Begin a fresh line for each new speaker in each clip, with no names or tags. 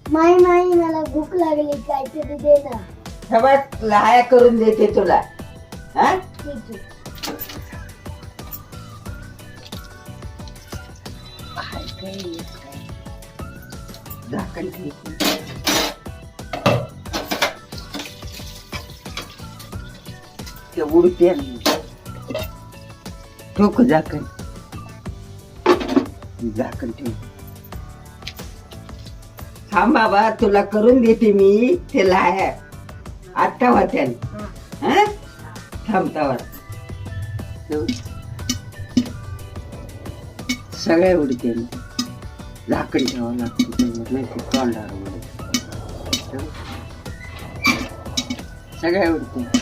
माई माई मला भूक लागली काहीतरी दे ना.
सगळ्यात लहाया करून देते तुला. हा
ठीक आहे.
झाकण ठेव. ते उडते ठोक झाकण. झाकण ठेव. थांब बाबा तुला करून देते मी ते लाया आत्ता होत्या. हा थांबतावर सगळ्या उडते. झाकण ठेवावं लागतं नाही ते तोंडावर उडते. सगळ्या उडते.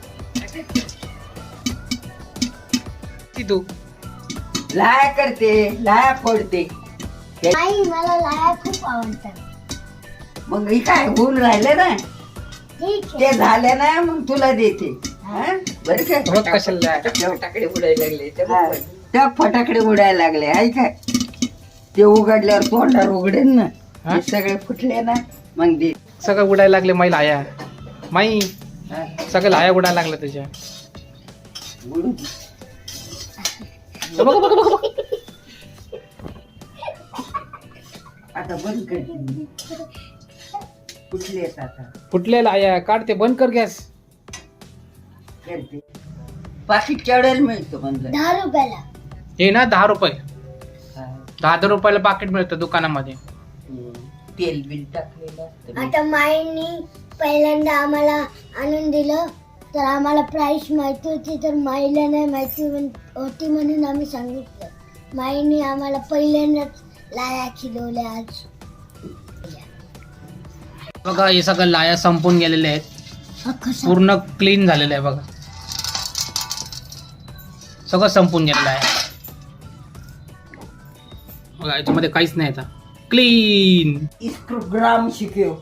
तू
लाया करते लाया फोडते.
आई मला लाया खूप आवडतात.
मग ही काय होऊन राहिलं ना
ठीक
ते
आहे.
झालं ना मग तुला देते. हा? बरं का
रोज कशाला
फटाकडे उडायला लागले. त्या फटाकडे उडायला लागले आहे काय ते उघडल्यावर तोंडावर उघडेल ना.
हा?
हे सगळे फुटले ना मग दे.
सगळं उडायला लागले माई लाया माई
हा?
सगळं लाया उडायला लागलं तुझ्या.
उडू दे.
बघ बघ बघ बघ.
आता बंद कर. कुठले आहेत आता
फुटलेला लाया काढ ते बंद कर गॅस.
करते. पाकिट केवढ्याला मिळतो म्हणलं.
10 रुपयाला.
हे ना 10 रुपये
हा.
10 रुपयाला पाकिट मिळतं दुकानामध्ये.
तेल बिल टाकलेलं असतं.
आता माईंनी पहिल्यांदा आम्हाला आणून दिलं तर आम्हाला प्राइस माहिती होती तर माईला नाही माहिती होती म्हणून आम्ही सांगितलं. माईने आम्हाला पहिल्यांदाच लाया खिलवल्या आज.
बघा हे सगळं लाया संपून गेलेले आहेत. पूर्ण क्लीन झालेलं आहे बघा. सगळं संपून गेलेलं आहे बघा. याच्यामध्ये काहीच नाही आता क्लीन.
इंस्टाग्राम शिकव.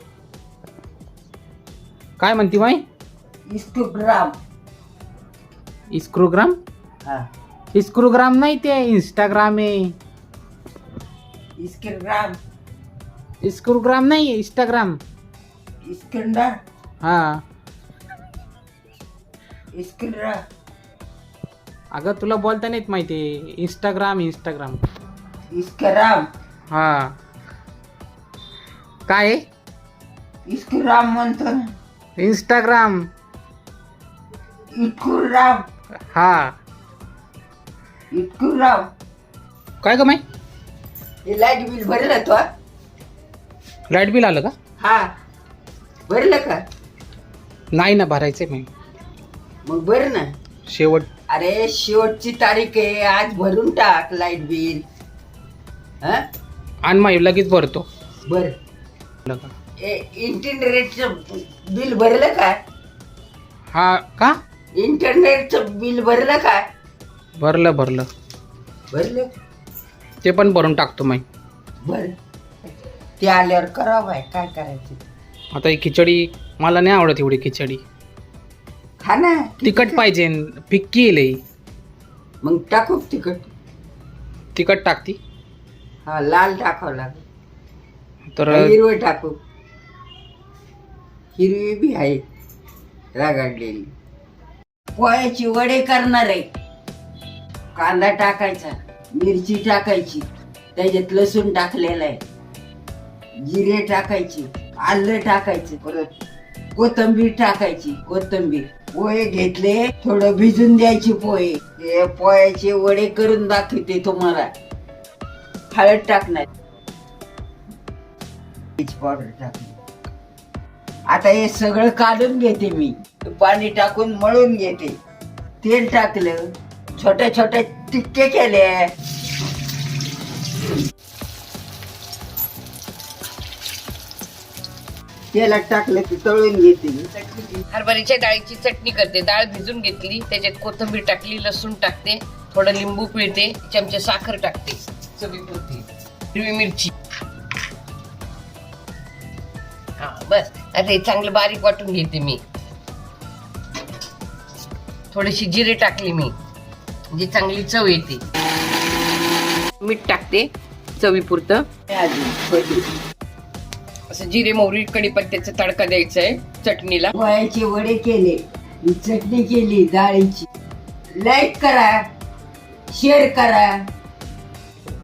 काय म्हणती माई.
इंस्टाग्राम.
इस्क्रोग्राम.
हा
इस्क्रोग्राम नाही ते इंस्टाग्राम आहे.
इंस्टाग्राम.
इस्क्रोग्राम नाही इंस्टाग्राम.
इस्कंदर.
हा
इस्कंदर.
अगं तुला बोलता नाहीत माहिती. Instagram Instagram.
इस्कराम.
हा काय
इस्कराम म्हणतो ना.
इंस्टाग्राम.
इटकुराम.
हा
इटकुराम.
काय ग माई.
हे लाईट बिल भरलं तो.
लाईट बिल आलं का.
हा भरलं का.
नाही ना भरायचंय माई.
मग भर ना.
शेवट.
अरे शेवटची तारीख आहे आज भरून टाक लाईट बिल. हा
आणि माई लगेच भरतो.
बर.
आलं का?
इंटरनेटचं बिल भरलं का.
हा का.
इंटरनेटचं बिल भरलं का.
भरलं भरलं.
भरलं.
ते पण भरून टाकतो माई.
बर ते आल्यावर करावं बाय काय करायचं.
आता ही खिचडी मला नाही आवडत एवढी खिचडी.
खा ना.
तिखट पाहिजे. फिक्की आहे लई.
मग टाकू तिखट.
तिखट टाकती
हा लाल टाकावं लागेल.
तर
हिरवं टाकू. हिरवी बी आहे रागाडलेली. पोळ्याची वडे करणार आहे. कांदा टाकायचा. मिरची टाकायची. त्याच्यात लसूण टाकलेला आहे. जिरे टाकायची. आलं टाकायचं. परत कोथिंबीर टाकायची. कोथिंबीर. पोहे घेतले थोडं भिजून द्यायची पोहे. हे पोह्याचे वडे करून दाखवते तुम्हाला. हळद टाकणार. पावडर टाकली. आता हे सगळं काढून घेते मी. पाणी टाकून मळून घेते. तेल टाकलं. छोट्या छोट्या टिक्के केले. तेलात टाकलं की तळून घेते.
हरभऱ्याच्या डाळीची चटणी करते. डाळ भिजून घेतली त्याच्यात कोथिंबीर टाकली लसूण टाकते थोडं लिंबू पिळते चमचे साखर टाकते चवीपुरती हिरवी मिरची. हा बस आता हे चांगलं बारीक वाटून घेते मी. थोडीशी जिरे टाकली मी म्हणजे चांगली चव येते. मीठ टाकते चवीपुरतं. असं जिरे मोहरी कढीपत्त्याचा तडका द्यायचा आहे चटणीला.
पोळ्याचे वडे केले, ही चटणी केली डाळीची. लाईक करा, शेअर करा.